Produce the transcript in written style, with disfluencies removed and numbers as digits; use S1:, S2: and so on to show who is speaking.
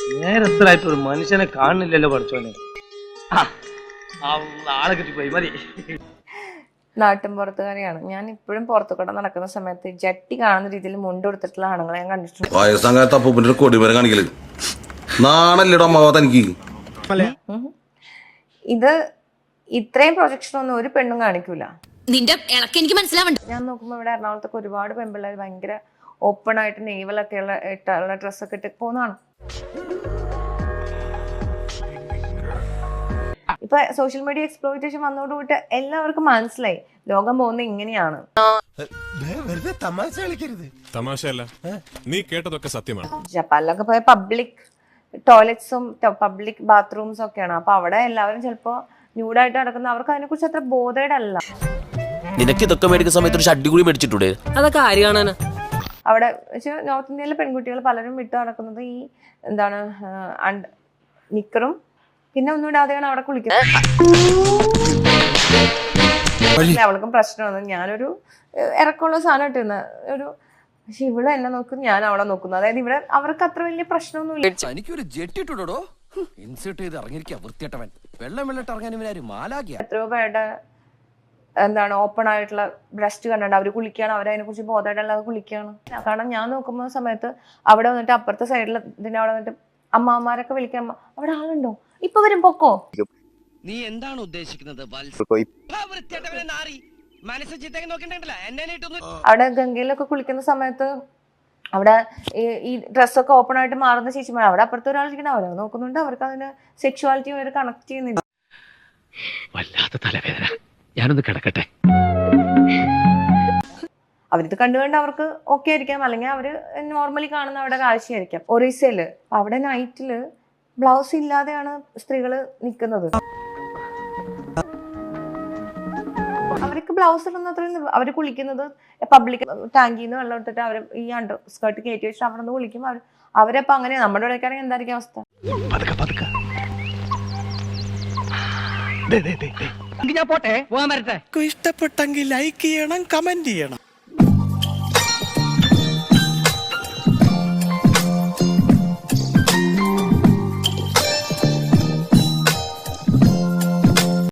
S1: നേരത്തിലായിട്ട് ഒരു മനുഷ്യനെ കാണുന്നില്ലല്ലോ പഠിച്ചോനെ. ആളെ കിട്ടിപ്പോയി മതി.
S2: നാട്ടും പുറത്തുകാരിയാണ് ഞാൻ. ഇപ്പോഴും പുറത്തു കൂടെ നടക്കുന്ന സമയത്ത് ജട്ടി കാണുന്ന രീതിയിൽ മുണ്ട് കൊടുത്തിട്ടുള്ള ആണുങ്ങളെ ഞാൻ കണ്ടിട്ടുണ്ട്. ഇത് ഇത്രയും പ്രൊജക്ഷൻ ഒന്നും ഒരു പെണ്ണും കാണിക്കൂല.
S3: നിന്റെ എനിക്ക് മനസ്സിലാവണ്ട.
S2: ഞാൻ നോക്കുമ്പോ ഇവിടെ എറണാകുളത്തൊക്കെ ഒരുപാട് പെൺപിള്ളേർ ഭയങ്കര ഓപ്പൺ ആയിട്ട് നെയ്വലൊക്കെ ഇട്ടുള്ള ഡ്രസ്സൊക്കെ ഇട്ട് പോകുന്നതാണ്. ഇപ്പൊ സോഷ്യൽ മീഡിയ എക്സ്പ്ലോയിറ്റേഷൻ വന്നതോടുകൂടി എല്ലാവർക്കും മനസ്സിലായി ലോകം പോകുന്നത് ഇങ്ങനെയാണ്.
S4: തമാശയല്ല, നീ കേട്ടതൊക്കെ സത്യമാണ്.
S2: ജപ്പാനിലൊക്കെ പോയ പബ്ലിക് ടോയ്ലറ്റ്സും പബ്ലിക് ബാത്റൂംസും ഒക്കെയാണ്. അപ്പൊ അവിടെ എല്ലാവരും ചിലപ്പോ ന്യൂഡായിട്ട് നടക്കുന്ന, അവർക്ക് അതിനെ കുറിച്ച് അത്ര ബോധേഡല്ല.
S5: നിനക്ക് ഇതൊക്കെ മേടിക്കുന്ന സമയത്ത് ഒരു ഷഡ്ഡി കൂടി മേടിച്ചിട്ടൂടെ? അതൊക്കെ ആര് കാണാനാ?
S2: അവിടെ നോർത്ത് ഇന്ത്യയിലെ പെൺകുട്ടികൾ പലരും വിട്ടു നടക്കുന്നത് ഈ എന്താണ് നിക്കറും പിന്നെ ഒന്നും ഇടാതെയാണ് അവിടെ കുളിക്കുന്നത്. അവൾക്കും പ്രശ്നമാണ്. ഞാനൊരു ഇറക്കമുള്ള സാധനം ഇട്ടിരുന്ന ഒരു, പക്ഷെ ഇവിടെ എന്നെ നോക്കും, ഞാൻ അവളെ നോക്കുന്നു. അതായത് ഇവിടെ അവർക്ക് അത്ര വലിയ പ്രശ്നമൊന്നുമില്ല. എത്രയോ പേരുടെ എന്താണ് ഓപ്പൺ ആയിട്ടുള്ള ബ്രസ്റ്റ് കണ്ടിട്ട് അവര് കുളിക്കുകയാണ്, അവരതിനെ കുറിച്ച് ബോധമായിട്ടല്ലാതെ കുളിക്കുകയാണ്. കാരണം ഞാൻ നോക്കുന്ന സമയത്ത് അവിടെ വന്നിട്ട് അപ്പുറത്തെ സൈഡിൽ ഇതിന്റെ അവിടെ വന്നിട്ട് അമ്മമാരൊക്കെ വിളിക്കാൻ, അവിടെ ആളുണ്ടോ, ഇപ്പൊ വരും പൊക്കോ.
S6: നീ എന്താണ് ഉദ്ദേശിക്കുന്നത്?
S2: അവിടെ ഗംഗയിലൊക്കെ കുളിക്കുന്ന സമയത്ത് അവിടെ ഈ ഡ്രസ്സൊക്കെ ഓപ്പൺ ആയിട്ട് മാറുന്ന ചേച്ചിമാർ, അവിടെ അപ്പുറത്തെ ഒരാൾ ഇരിക്കണം, അവരെ നോക്കുന്നുണ്ട്. അവർക്ക് അതിന്റെ സെക്ഷുവാലിറ്റി അവർ കണക്ട് ചെയ്യുന്നില്ല.
S6: വല്ലാത്ത തലവേദന, ഞാനൊന്ന് കിടക്കട്ടെ.
S2: അവരിത് കണ്ടുകൊണ്ട് അവർക്ക് ഓക്കെ ആയിരിക്കാം, അല്ലെങ്കിൽ അവര് നോർമലി കാണുന്ന അവിടെ കാഴ്ചയായിരിക്കാം. ഒറീസയില് അവിടെ നൈറ്റില് ബ്ലൗസ് ഇല്ലാതെയാണ് സ്ത്രീകള് നിൽക്കുന്നത്. അവർക്ക് ബ്ലൗസ് ഇടുന്നത്രയും അവര് കുളിക്കുന്നത് പബ്ലിക് ടാങ്കിൽ നിന്ന് വെള്ളം ഇട്ടിട്ട് അവര് ഈ അണ്ടർ സ്കേർട്ട് കയറ്റി വെച്ചിട്ട് അവിടെ നിന്ന് കുളിക്കും. അവരപ്പോ അങ്ങനെ നമ്മുടെ ഇടയ്ക്കാണെങ്കിൽ എന്തായിരിക്കും അവസ്ഥ?
S6: ഞാൻ പോട്ടെ, പോകാൻ വരട്ടെ.
S7: ഇഷ്ടപ്പെട്ടെങ്കിൽ ലൈക്ക് ചെയ്യണം, കമന്റ് ചെയ്യണം.